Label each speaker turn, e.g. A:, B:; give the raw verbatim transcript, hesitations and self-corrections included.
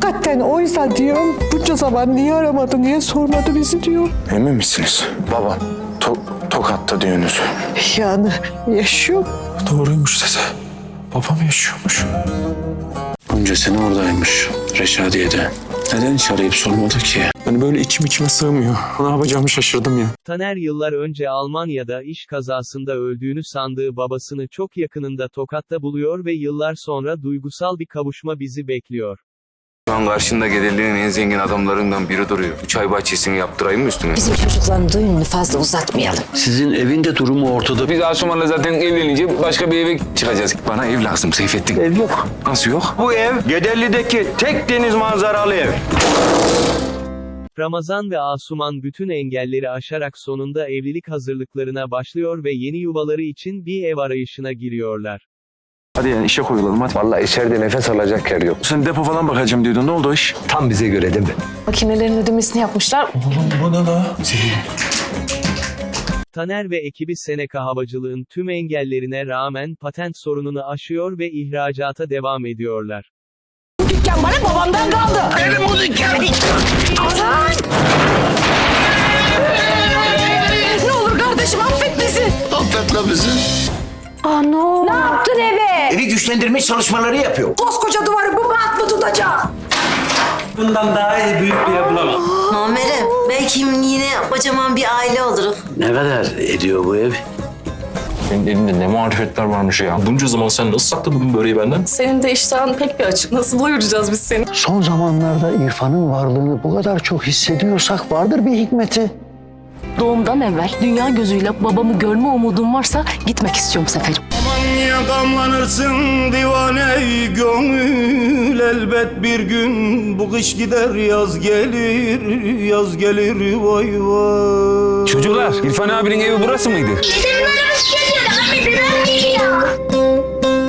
A: Hakikaten oysa diyorum bunca zaman niye aramadı, niye sormadı bizi diyor.
B: Emin misiniz? Babam to Tokat'ta diyorsunuz.
A: Yani yaşıyor.
B: Doğruymuş dede. Babam yaşıyormuş. Bunca sene oradaymış Reşadiye'de. Neden hiç arayıp sormadı ki? Hani böyle içim içime sığmıyor. Ne yapacağımı şaşırdım ya.
C: Taner yıllar önce Almanya'da iş kazasında öldüğünü sandığı babasını çok yakınında Tokat'ta buluyor ve yıllar sonra duygusal bir kavuşma bizi bekliyor.
D: Şu an karşında Gedeli'nin en zengin adamlarından biri duruyor. Üç ay bahçesini yaptırayım mı üstüne?
E: Bizim çocukların düğününü fazla uzatmayalım.
F: Sizin evin de durumu ortada.
D: Biz Asuman'la zaten evlenince başka bir eve çıkacağız. Bana ev lazım Seyfettin.
F: Ev yok.
D: Nasıl yok?
F: Bu ev Gedeli'deki tek deniz manzaralı ev.
C: Ramazan ve Asuman bütün engelleri aşarak sonunda evlilik hazırlıklarına başlıyor ve yeni yuvaları için bir ev arayışına giriyorlar.
B: Hadi yani işe koyulalım hadi.
D: Vallahi içeride nefes alacak yer yok.
B: Sen depo falan bakacağım diyordun. Ne oldu o iş?
F: Tam bize göre değil mi?
G: Makinelerin ödemesini yapmışlar.
B: Bu ne la?
C: Taner ve ekibi Seneca Havacılığın tüm engellerine rağmen patent sorununu aşıyor ve ihracata devam ediyorlar.
A: Dükkan bana babamdan kaldı.
F: Benim bu dükkan.
A: Ne olur kardeşim affet bizi.
F: Affetle bizi.
A: Ano.
E: Ne yaptın eve?
F: Evi güçlendirme çalışmaları yapıyor.
A: Koskoca duvarı bu mat mı tutacak?
F: Bundan daha iyi büyük bir ev bulamam.
E: Muammer'im belki yine kocaman bir aile oluruz.
F: Ne kadar ediyor bu ev?
B: Senin elinde ne marifetler varmış ya. Bunca zaman sen nasıl sakladın bu böreği benden?
G: Senin de iştahın pek bir açık. Nasıl doyuracağız biz seni?
H: Son zamanlarda İrfan'ın varlığını bu kadar çok hissediyorsak vardır bir hikmeti.
G: Doğumdan evvel dünya gözüyle babamı görme umudum varsa gitmek istiyorum Seferim.
I: Aman yakamlanırsın divane gönül, elbet bir gün bu kış gider yaz gelir, yaz gelir vay vay.
D: Çocuklar, İrfan abinin evi burası mıydı?
E: Gidelim